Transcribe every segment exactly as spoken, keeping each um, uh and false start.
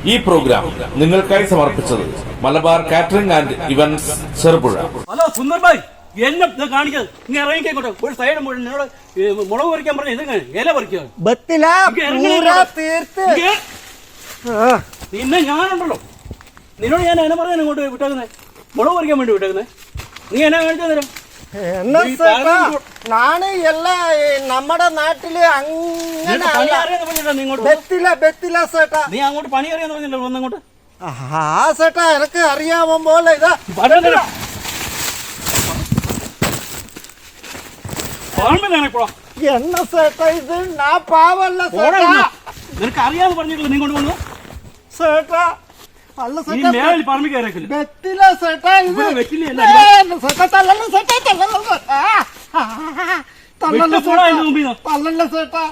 ഈ പ്രോഗ്രാം നിങ്ങൾക്കായി സമർപ്പിച്ചത് Malabar catering and events Cherupuzha. Hello Sundar bhai, എന്നെ കാണിക്കത് നീ ഇറങ്ങിക്കോട്ടെ. ഒരു സൈഡ് നിന്നോട് മുളക് പറിക്കാൻ പറഞ്ഞ ഇത് ഇല പറിക്കുക. പിന്നെ ഞാനുണ്ടല്ലോ, നിന്നോട് ഞാൻ എന്നെ പറഞ്ഞാൽ ഇങ്ങോട്ട് വിട്ടേക്കുന്നേ, മുളക് പറിക്കാൻ വേണ്ടി വിട്ടേക്കുന്നേ. നീ എന്നെ കാണിച്ചു തരാം. നാണ് എല്ലാ നമ്മുടെ നാട്ടില് അങ്ങനെ നീ അങ്ങോട്ട് പണി അറിയാന്ന് പറഞ്ഞല്ലോ. വന്നങ്ങോട്ട് ആ സേട്ടാ എനക്ക് അറിയാമോ പോലെ ഇതാ എന്ന സേട്ടാ ഇത് നാ പാവല്ല നിനക്ക് അറിയാന്ന് പറഞ്ഞിട്ടില്ല. നീ കൊണ്ട് വന്നു സേട്ടാ. അല്ല പറമ്പില്ല സേട്ടാ ഇത് സേട്ടാ തല്ലല്ല സേട്ടാ തല്ലല്ല തല്ലല്ല സേട്ടാ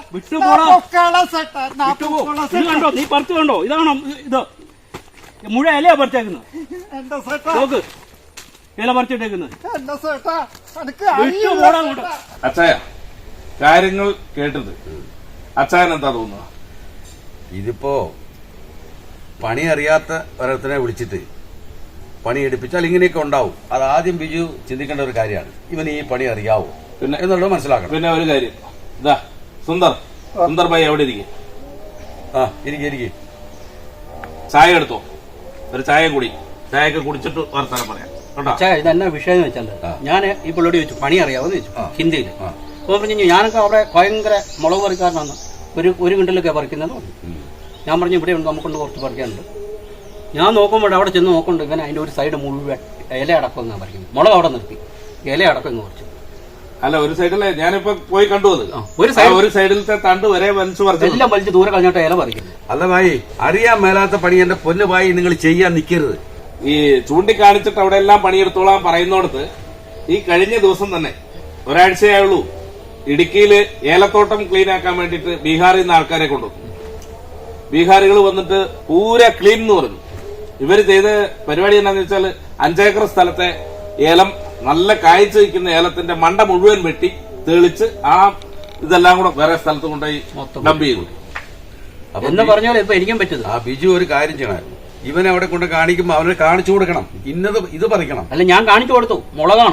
വിട്ടുപോടാ. നീ പറിച്ചു കണ്ടോ? ഇതാണോ ഇത്? മുഴ ഇലയാ പറിച്ചേക്കുന്നത്. എന്താ സേട്ടാ നോക്ക്, ഇല പറിച്ചിട്ടേക്കുന്നത്. എന്താ സേട്ടാ വിട്ടുപോടാ. അച്ചായ, കാര്യങ്ങൾ കേട്ടത് അച്ചായൻ എന്താ തോന്നുക? ഇതിപ്പോ പണി അറിയാത്ത ഒരത്തിനെ വിളിച്ചിട്ട് പണി എടുപ്പിച്ചാൽ ഇങ്ങനെയൊക്കെ ഉണ്ടാവും. അത് ആദ്യം ബിജു ചിന്തിക്കേണ്ട ഒരു കാര്യമാണ്. ഇവന് ഈ പണി അറിയാവോ പിന്നെ എന്നുള്ളത് മനസ്സിലാക്കണം. പിന്നെ ഒരു കാര്യം, ഇതാ സുന്ദർ സുന്ദർ ഭായി എവിടെ ഇരിക്കും? ആ ഇരിക്കും ഇരിക്കും. ചായ എടുത്തോ, ഒരു ചായ കുടി. ചായയൊക്കെ കുടിച്ചിട്ട് വർത്താനം പറയാം കേട്ടോ. ഇതെന്നാ വിഷയം എന്ന് വെച്ചാൽ, ഞാൻ ഈ പുള്ളിയോട് ചോദിച്ചു പണി അറിയാവോന്ന് ചോദിച്ചു ഹിന്ദിയിൽ. അപ്പൊ പറഞ്ഞു ഞാനൊക്കെ അവിടെ ഭയങ്കര മുളക് പറിക്കാരനാണ്, ഒരു ഒരു കിണ്ടലൊക്കെ പറിക്കുന്നത്. ഞാൻ പറഞ്ഞു ഇവിടെ ഉണ്ട്, നമുക്കൊണ്ട് കുറച്ച് പറിക്കാനുണ്ട്. ഞാൻ നോക്കുമ്പോൾ അവിടെ ചെന്ന് നോക്കുന്നുണ്ട് ഇവൻ അതിന്റെ ഒരു സൈഡ് മുഴുവൻ ഇല അടക്കം എന്നാണ് പറിക്കുന്നത്. മുളക് അവിടെ നിർത്തി ഇല അടക്കം ഇങ്ങ് കുറച്ച്. അല്ല, ഒരു സൈഡിലെ ഞാനിപ്പോ പോയി കണ്ടു. അത് ഒരു സൈഡ് ഒരു സൈഡിലത്തെ തണ്ട് വരെ വലിച്ചു പറിച്ചു, എല്ലാം വലിച്ച് ദൂരെ കളഞ്ഞിട്ട് ഇല പറിക്കുന്നത്. അല്ല ഭായി, അറിയാൻ മേലാത്ത പണി എന്റെ പൊന്നു ഭായി നിങ്ങൾ ചെയ്യാൻ നിൽക്കരുത്. ഈ ചൂണ്ടിക്കാണിച്ചിട്ട് അവിടെ എല്ലാം പണിയെടുത്തോളാൻ പറയുന്നോടത്ത് ഈ കഴിഞ്ഞ ദിവസം തന്നെ ഒരാഴ്ചയായുള്ളൂ ഇടുക്കിയില് ഏലത്തോട്ടം ക്ലീൻ ആക്കാൻ വേണ്ടിയിട്ട് ബീഹാറിൽ നിന്ന് ആൾക്കാരെ കൊണ്ടുവന്നു. ബീഹാറികൾ വന്നിട്ട് പൂര ക്ലീൻ എന്ന് പറഞ്ഞു. ഇവര് ചെയ്ത പരിപാടി എന്താണെന്ന് വെച്ചാൽ അഞ്ചേക്കർ സ്ഥലത്തെ ഏലം, നല്ല കായ്ച്ചു വയ്ക്കുന്ന ഏലത്തിന്റെ മണ്ട മുഴുവൻ വെട്ടി തെളിച്ച് ആ ഇതെല്ലാം കൂടെ വേറെ സ്ഥലത്ത് കൊണ്ടുപോയി ഡംപ് ചെയ്തു. എന്ന് പറഞ്ഞാൽ ഇപ്പൊ എനിക്കും പറ്റുന്നത്. ആ ബിജു ഒരു കാര്യം ചെയ്യണം, ഇവനെ അവിടെ കൊണ്ട് കാണിക്കുമ്പോ അവനെ കാണിച്ചു കൊടുക്കണം. ഇന്നത് ഇത് പറിക്കണം. അല്ല, ഞാൻ കാണിച്ചു കൊടുത്തു മുളകാണ്.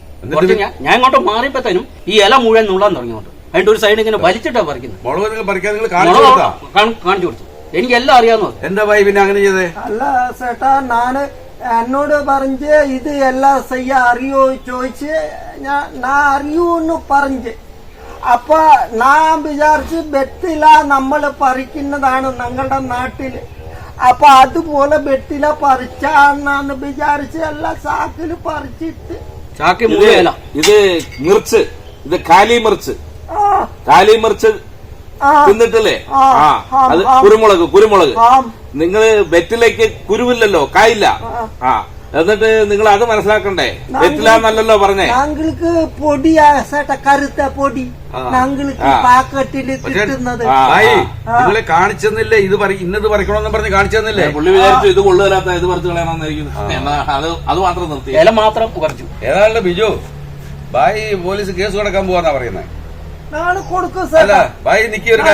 ഞാൻ ഇങ്ങോട്ട് മാറിയപ്പോഴത്തേനും ഈ ഇല മുഴുവൻ നുള്ളാൻ തുടങ്ങിയോട്ട് അതിന്റെ ഒരു സൈഡ് ഇങ്ങനെ വലിച്ചിട്ടാ പറിക്കുന്നത്. മുളക് നിങ്ങൾ പറിക്കാൻ നിങ്ങൾ കാണിച്ചു കൊടുത്തു. എനിക്ക് എല്ലാം അറിയാവുന്ന. എന്താ ഭായി പിന്നെ അങ്ങനെ ചെയ്തേ? അല്ല ചേട്ടാ, നാന് എന്നോട് പറഞ്ഞ് ഇത് എല്ലാം ചെയ്യ അറിയോ ചോദിച്ച് ഞാൻ അറിയൂന്ന് പറഞ്ഞ്. അപ്പൊ ഞാൻ വിചാരിച്ച് വെറ്റില നമ്മൾ പറിക്കുന്നതാണ് ഞങ്ങളുടെ നാട്ടില്. അപ്പൊ അതുപോലെ വെറ്റില പറിച്ചാന്ന് വിചാരിച്ച് എല്ലാം ചാക്കില് പറിച്ചിട്ട്. ചാക്കി ഇത് മിർച്ച്, ഇത് കാലി മിർച്ച്. കാലി മിർച്ച് തിന്നിട്ടില്ലേ? ആ, അത് കുരുമുളക്. കുരുമുളക് നിങ്ങള് വെറ്റിലേക്ക് കുരുവില്ലല്ലോ, കായില്ല. ആ, എന്നിട്ട് നിങ്ങൾ അത് മനസ്സിലാക്കണ്ടേ. വെറ്റിലാന്നല്ലോ പറഞ്ഞേ. ഞങ്ങൾക്ക് പൊടിയാ ചേട്ടാ, കറുത്ത പൊടി ഞങ്ങൾക്ക് പാക്കറ്റില് കിട്ടുന്നത്. നിങ്ങളെ കാണിച്ചെന്നില്ലേ ഇത് ഇന്നത് പറിക്കണമെന്ന് പറഞ്ഞ് കാണിച്ചെന്നില്ലേ? പുള്ളി വിചാരിച്ചു ഇത് കൊള്ളുകയില്ലാത്ത ഇത് പറിച്ചു കളയണമെന്നായിരിക്കും. അത് അത് മാത്രം നിർത്തി, ഇല മാത്രം പറിച്ചു. ഏതാണ്ട് ബിജു ഭായി പോലീസ് കേസ് കൊടുക്കാൻ പോവാന്നാ പറയുന്നത്. കിട്ടിയില്ല. ഭായി ഒരു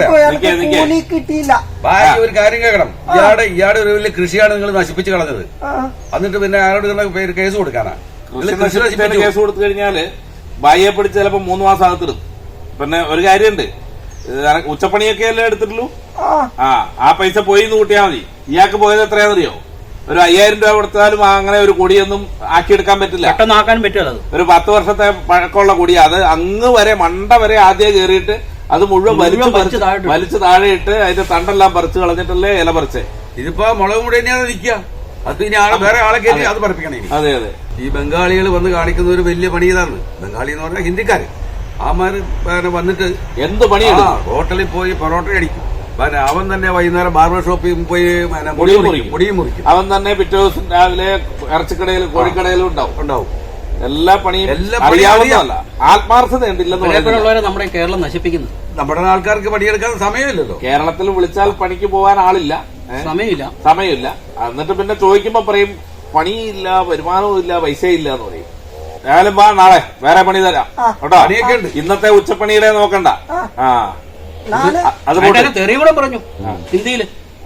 കാര്യം കേൾക്കണം. ഇയാടെ ഇയാടെ ഒരു വലിയ കൃഷിയാണ് നിങ്ങൾ നശിപ്പിച്ചു കളഞ്ഞത്. എന്നിട്ട് പിന്നെ അയാളോട് കേസ് കൊടുക്കാനാ? കേസ് കൊടുത്തു കഴിഞ്ഞാല് ഭായിയെ പിടിച്ച് ചിലപ്പോ മൂന്ന് മാസം അകത്തിടും. പിന്നെ ഒരു കാര്യമുണ്ട്, ഉച്ചപ്പണിയൊക്കെ അല്ലേ എടുത്തിട്ടുള്ളൂ. ആ ആ പൈസ പോയി എന്ന് കൂട്ടിയാൽ മതി. ഇയാൾക്ക് പോയത് എത്രയാണെന്നറിയോ? ഒരു അയ്യായിരം രൂപ കൊടുത്താലും അങ്ങനെ ഒരു കൊടിയൊന്നും ആക്കിയെടുക്കാൻ പറ്റില്ല. പെട്ടെന്നാക്കാൻ പറ്റില്ല. ഒരു പത്ത് വർഷത്തെ പഴക്കമുള്ള കൊടി, അത് അങ്ങ് വരെ മണ്ട വരെ ആദ്യം കയറിയിട്ട് അത് മുഴുവൻ വലിച്ചു വലിച്ചു താഴെയിട്ട് അതിന്റെ തണ്ടെല്ലാം പറിച്ചു കളഞ്ഞിട്ടല്ലേ ഇല പറിച്ചേ. ഇതിപ്പോ മുളക് കൂടി തന്നെയാണ് നിൽക്കുക. അത് ഇനി ആളെ വേറെ ആളെ കയറി അത് പറിപ്പിക്കണേ. അതെ അതെ. ഈ ബംഗാളികൾ വന്ന് കാണിക്കുന്ന ഒരു വലിയ പണി ഇതാണ്. ബംഗാളി എന്ന് പറഞ്ഞാൽ ഹിന്ദിക്കാര്. ആമാര് വന്നിട്ട് എന്ത് പണിയാണ്? ഹോട്ടലിൽ പോയി പൊറോട്ട അടിക്കും. അവൻ തന്നെ വൈകുന്നേരം ബാർബർ ഷോപ്പിൽ പോയി മുടിയും മുറിക്കും. അവൻ തന്നെ പിറ്റേ ദിവസം രാവിലെ ഇറച്ചിക്കടയിലും കോഴിക്കടയിലും ഉണ്ടാവും ഉണ്ടാവും എല്ലാ പണിയും അറിയാവുന്നതല്ല, ആത്മാർത്ഥത ഉണ്ടില്ലെന്നുള്ളവരെ നമ്മുടെ കേരളം നശിപ്പിക്കുന്നത്. നമ്മുടെ ആൾക്കാർക്ക് പണിയെടുക്കാൻ സമയമില്ലല്ലോ. കേരളത്തിൽ വിളിച്ചാൽ പണിക്ക് പോകാൻ ആളില്ല, സമയമില്ല സമയമില്ല എന്നിട്ട് പിന്നെ ചോദിക്കുമ്പോ പറയും പണിയില്ല, വരുമാനവും ഇല്ല, പൈസയില്ല എന്ന് പറയും. ഏതായാലും വാ, നാളെ വേറെ പണി തരാം കേട്ടോ. പണിയൊക്കെ ഉണ്ട്. ഇന്നത്തെ ഉച്ചപ്പണിയുടെ നോക്കണ്ട. ആ അത് തെറി കൂടെ പറഞ്ഞു ഹിന്ദിയില്.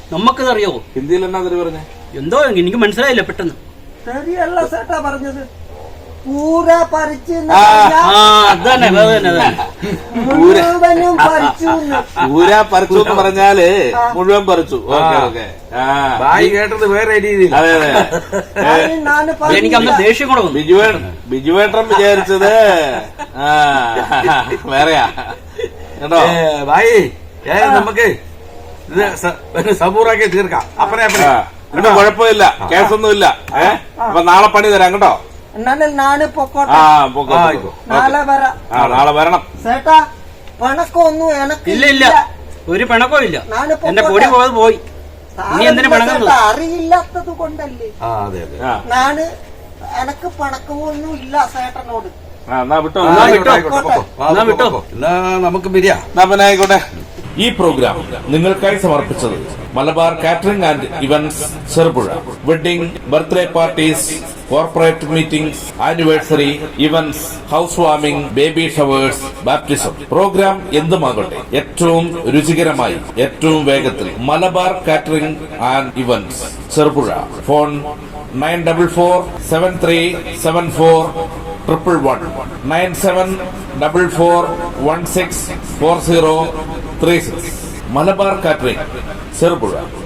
നമുക്കത് അറിയാവോ? ഹിന്ദിയിൽ എന്നാ തെറി പറഞ്ഞേ? എന്തോ എനിക്ക് മനസ്സിലായില്ല പെട്ടെന്ന്. ശരിയല്ല ചേട്ടാ പറഞ്ഞത്. പൂര പറിച്ച് ആ അത് തന്നെ അത് തന്നെ അത് തന്നെ. മുഴുവനും പറിച്ചു. ഊര പറിച്ചു എന്ന് പറഞ്ഞാല് മുഴുവൻ പറിച്ചു. Okay okay. ആ ബായി കേട്ടത് വേറെ രീതിയിൽ. അതെ അതെ. നാന് എനിക്ക് അന്ന് ദേഷ്യം കൂടെ വന്നു. ബിജുവേ ബിജുവേട്ടൻ വിചാരിച്ചത് ആ വേറെയാ കേട്ടോ. ബായി ഏതായാലും നമുക്ക് ഇത് സ- പിന്നെ സബൂറാക്കി തീർക്കാം. അപ്പറേ അപ്പറേ ഇത് കുഴപ്പമില്ല, കേസൊന്നുമില്ല. ഏഹ് അപ്പൊ നാളെ പണി തരാം കേട്ടോ. എന്നാലും നാന് പൊക്കോട്ടെ. ആ പൊക്കോ, പൊക്കോ. നാളെ വരാം. ആ നാളെ വരണം. ചേട്ടാ പണക്കൊന്നും എനക്ക് ഇല്ല ഇല്ല ഒരു പിണക്കവും ഇല്ല. നാല് എന്റെ പൊടി പോയത് പോയി. നീ എന്തിനു പിണങ്ങുന്നത്? ചേട്ടാ, അറിയില്ലാത്തത് കൊണ്ടല്ലേ. ആ അതെ അതെ. ആ നാന് എനക്ക് പണക്കമൊന്നും ഇല്ല ചേട്ടനോട്. ആ, എന്നാ വിട്ടോ. എന്നാ ആയിക്കോട്ടെ, വിട്ടോ. ആയിക്കോട്ടെ, പൊക്കോ. ആ, എന്നാ പൊക്കോ, വിട്ടോ. പൊക്കോ. എന്നാ നമുക്ക് പിരിയാ. എന്നാ പിന്നെ ആയിക്കോട്ടെ. ഈ പ്രോഗ്രാം നിങ്ങൾക്കായി സമർപ്പിച്ചത് Malabar catering and events Cherupuzha. Wedding, birthday parties, corporate meetings, anniversary events, house warming, baby showers, baptism. Program എന്തുമാകട്ടെ ഏറ്റവും രുചികരമായി ഏറ്റവും വേഗത്തിൽ Malabar catering and events Cherupuzha. Phone nine double four seven three seven four triple one nine seven double four one six four zero three six. Malabar catering Cherupuzha.